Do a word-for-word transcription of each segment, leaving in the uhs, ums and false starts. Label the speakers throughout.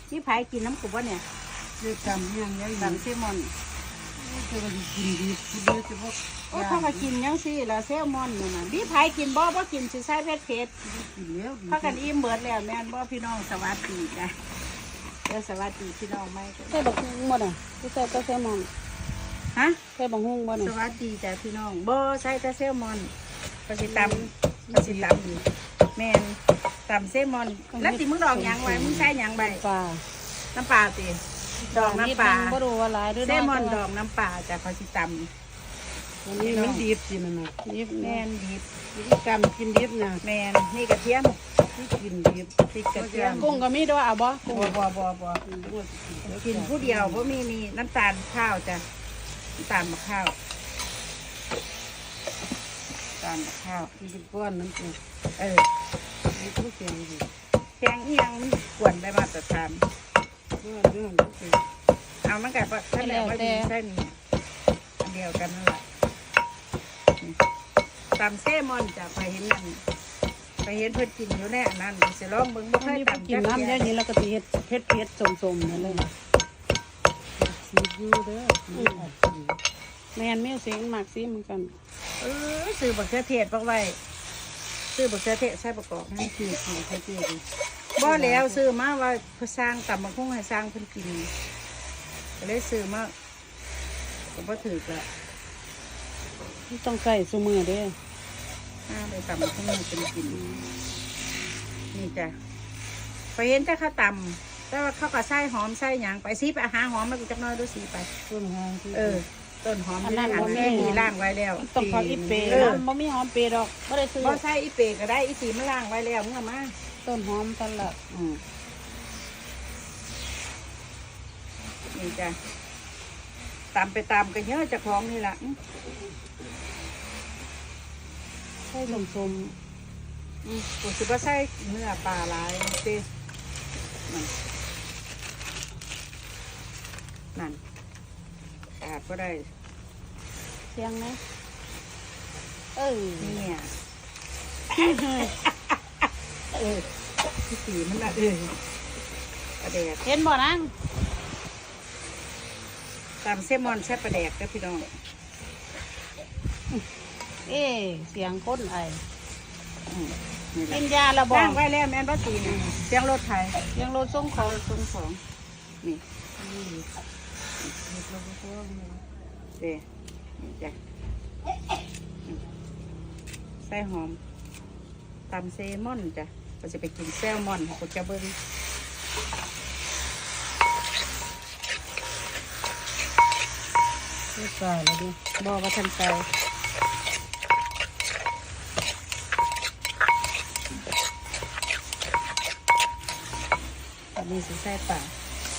Speaker 1: นี่ไผ่กินน้ำกุบวะเนี่ย
Speaker 2: เรื่องจำยังยัง
Speaker 1: ตำเซลมอน
Speaker 2: เธอก็กินดีกินเยอะจะพวก
Speaker 1: โอ้เขาก็กินยังสิแล้วเซลมอนนี่นะนี่ไผ่กินบ่บ่กินสิใส่เผ็ดเผ็ด
Speaker 2: กินแล้ว
Speaker 1: เขากันอิ่มเบิดแล้วแม่นบ่พี่น้องสวัสดีจ้ะเดี๋ยวสวัสดีพี่น้องไหม
Speaker 3: ใส่บักฮุ้งบ่น่ะที่ใส่ก็แซลมอน
Speaker 1: ฮะ
Speaker 3: ใส่บักฮุ้งบ่
Speaker 1: ส
Speaker 3: น่ะ
Speaker 1: วัสดีจ้ะพี่น้องบ่ใส่แต่เซลมอนก็สิตำก็สิตำแม่นตำเซลมอนแล้วติมึงดอกหยังไว้มึงใส่หยังใบ
Speaker 3: ปลา
Speaker 1: น้ำปลาติดอกน้ำปลา
Speaker 3: บ่รู้ว่าหลายหรือ
Speaker 1: เซ
Speaker 3: น้
Speaker 1: ล
Speaker 3: อย
Speaker 1: มอนดอกน้ำปลาจ้ะเขาสิต
Speaker 3: วัน
Speaker 2: นี่
Speaker 3: นี้
Speaker 2: มัน
Speaker 3: มัน
Speaker 2: ดีสิมันนะ
Speaker 3: ดิบ
Speaker 1: ำ
Speaker 3: แม่
Speaker 1: แม่นดิบ
Speaker 2: วิธีการกินดีนะ
Speaker 1: แม่นนี่กระเทียม
Speaker 2: ที่กินดี
Speaker 1: พริกกระเทียม
Speaker 3: กุ้งก็มีด้วยเอาบ่กุ้ง
Speaker 1: บ่บ่บ่บ่กินผู้เดียวเพราะมีนี่น้ำตาลข้าวจ้ะน้ำตาลมะข้าวน้ำตาลมะข้าว
Speaker 2: กินก้อนน้ำจิ้ม
Speaker 1: เออ
Speaker 2: ไม่ต้องเสียงดี
Speaker 1: แกงเอียงมันกวนได้มาตรฐาน
Speaker 2: เรื่องเรื่องคือ
Speaker 1: เอามันกับท่านแล้วว่าดีเส้นอันเดียวกันนั่นแหละตำเซมอนจ้ะไปเห็นนั่นไปเห็นเพิ่นกินอยู่แน่นั่นสิลองเบิ่งบ่เค
Speaker 3: มัน
Speaker 1: ย
Speaker 3: มี
Speaker 1: ตำ
Speaker 3: กินน้ำเยอะนี้แล้วก็สิเฮ็ดเผ็ดเผ็ดๆสมๆนั่นเลย
Speaker 2: ซีดูเด้อ
Speaker 3: แม่นมีเสียงมากซิเหมือนกัน
Speaker 1: เออซื้อบักเขือเทศบักไว้ซื้อบักเขือเทศใส่ประกอบ
Speaker 2: ให้เกียรติให้เกียรติ
Speaker 1: บ่แล้วซื้อมาว่าเพื่อสร้างตำบักหุ่งให้สร้างเพิ่นกินก็เลยซื้อมาก็บ่ถูกละ
Speaker 3: ต้องใส่ซุมือเด้
Speaker 1: ห้าไปตำบักหุ่งให้เพิ่นกินนี่จ้ะไปเห็นแต่ข้าวตำแต่ว่าเขาก็ใส่หอมใส่หยังไปสิไปหาหอมมากูจักหน้อยดูสิไป
Speaker 2: ต้นหางที่
Speaker 1: เออ ต้นหอมที่หันแม่มีล่างไว้แล้ว
Speaker 3: ต้องขออีเป
Speaker 1: เออ
Speaker 3: นะบ่มีหอมเปรย์ดอกบ่ได้ซื้อ
Speaker 1: บ่ใส่อีเปก็ได้อีสีมันล่างไว้แล้วมึงเอามา
Speaker 3: ต้นหอมตลอด
Speaker 1: อืมนี่จ้ะตามไปตามกันเยอะจากของนี่ล่ะอื้อ
Speaker 3: ใส่สม
Speaker 1: อืมกูสิบ่ใส่เนื้อปลาหลายเต้นั่นนั่นขาดก็ได้
Speaker 3: ๆเสียงนะเออ
Speaker 1: เนี่ยเออที่สีมันละเออประเดก
Speaker 3: เห็นบ่นาง
Speaker 1: ตามเซลมอนแซ่บประแดกเด้อพี่น้อง
Speaker 3: เอ๊ะเสียงคนไอ
Speaker 1: อืมนี่แห
Speaker 3: กิ
Speaker 1: ละ
Speaker 3: นยาละบ่
Speaker 1: ล่างไว้แล้วแม่นบ่ตีนี่เสียงรถไถ
Speaker 3: ยังรถส่งของ
Speaker 1: ส่งของนี่เด้นี่จ้ะอืมใส่หอมตำเซลมอนจ้ะก็จะไปกินแซลมอนของจะเบิ้ง
Speaker 3: ไม่ใส่แล้วดิ
Speaker 1: บ่ว่าทันใจอันนี้สิใส่ปลา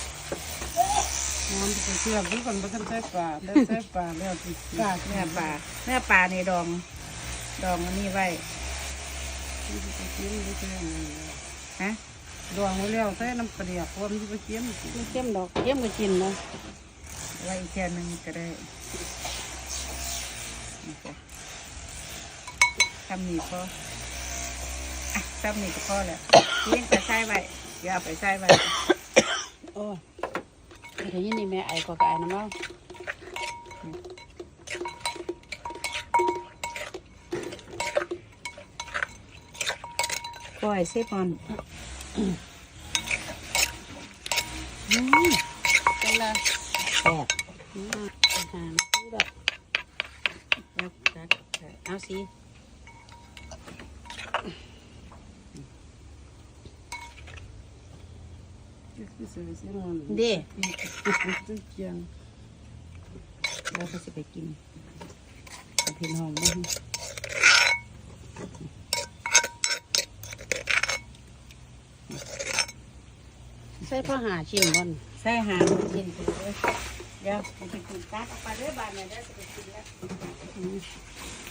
Speaker 2: น้ำเป็นเชื่อมทุกคนไม่ต้องใช้ปลาได้ใช้ปลาแล้วที่
Speaker 1: ปลาเนื้อปลาเนื้อปลาในดอง ดองอันนี้ไว้
Speaker 2: ที่ไปกินได้แค่นั้น
Speaker 1: ฮะ
Speaker 2: ดวงไว้แล้วใส่น้ำปลาเดียกว่ามันจะไปกิน
Speaker 3: ไม่เข้มดอกเข้มก็กินนะ
Speaker 1: ไว้อีกแค่หนึงก็ได้นี่จ้ะทำนี่พออ่ะทำนี่ก็พอแล้วเลี้ยงไปใส่ไว้อย่าเอาไปใส่ไว้
Speaker 3: โอ้เดี๋ยวนี้นี่แม่ไอก็กไอน้ำเล่า
Speaker 1: ปล่อยเซฟอน
Speaker 3: จังเลย
Speaker 1: แซ่บ
Speaker 3: อืมอาหารคือแบบ
Speaker 1: แล้วจัดเอาสิ
Speaker 2: ที่เสือเสียงมัน
Speaker 1: เด้
Speaker 2: ตึ้งเกียง
Speaker 1: เราก็จะไปกินกับพี่น้องบ้าง
Speaker 3: ใส่ผ้าหาชิ้นบน
Speaker 1: ใส่หางกินไปเลยเดี๋ยวไปกินตัดออกไปเลยบ้านเนี่ยเดี๋ยวจะไปกินแล้ว